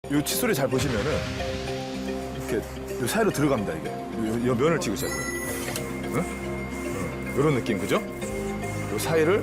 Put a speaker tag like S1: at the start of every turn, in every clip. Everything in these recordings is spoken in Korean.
S1: 요 칫솔이 잘 보시면은 이렇게 요 사이로 들어갑니다 이게. 요 면을 찍으셔야 돼요. 응? 요런 느낌 그죠? 요 사이를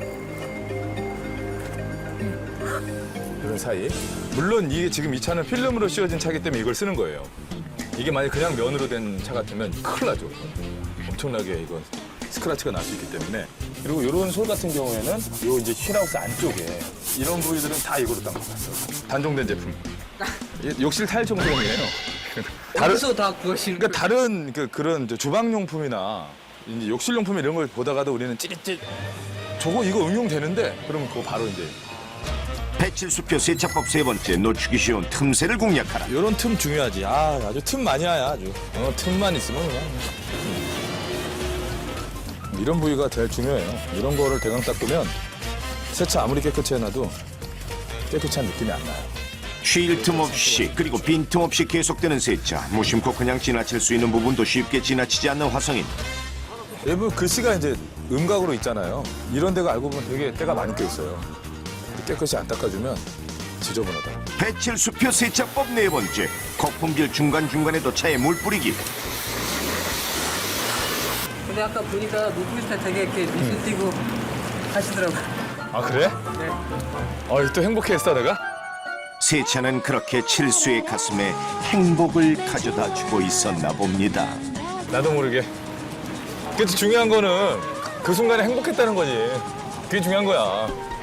S1: 요런 사이. 물론 이게 지금 이 차는 필름으로 씌워진 차기 때문에 이걸 쓰는 거예요. 이게 만약 그냥 면으로 된 차 같으면 큰일 나죠. 엄청나게 이건 스크래치가 날 수 있기 때문에. 그리고 이런 솔 같은 경우에는 요 이제 휠하우스 안쪽에 이런 부위들은 다 이거로 딱 막았어요. 단종된 제품. 욕실 타일 정도이에요.
S2: 여기서 다 구하시는
S1: 그러니까 다른 그런 주방용품이나 이제 욕실용품 이런 걸 보다가도 우리는 찌릿찌릿 저거 이거 응용되는데 그러면 그거 바로 이제
S3: 배칠수표 세차법 세 번째, 놓치기 쉬운 틈새를 공략하라.
S1: 이런 틈 중요하지. 아주 틈 많이 와야 아주. 틈만 있으면 그냥. 이런 부위가 제일 중요해요. 이런 거를 대강 닦으면 세차 아무리 깨끗이 해놔도 깨끗한 느낌이 안 나요.
S3: 쉴 틈 없이 그리고 빈틈 없이 계속되는 세차. 무심코 그냥 지나칠 수 있는 부분도 쉽게 지나치지 않는 화성인.
S1: 일부 글씨가 이제 음각으로 있잖아요. 이런 데가 알고 보면 되게 때가 많이 껴 있어요. 깨끗이 안 닦아주면 지저분하다.
S3: 배칠수표 세차법 네 번째, 거품질 중간중간에도 차에 물 뿌리기.
S2: 근데 아까 보니까 노트북 때 되게 이렇게 눈 띄고 하시더라고요.
S1: 아 그래?
S2: 네.
S1: 또 행복했어 내가?
S3: 세차는 그렇게 칠수의 가슴에 행복을 가져다 주고 있었나 봅니다.
S1: 나도 모르게. 그래도 중요한 거는 그 순간에 행복했다는 거지. 그게 중요한 거야.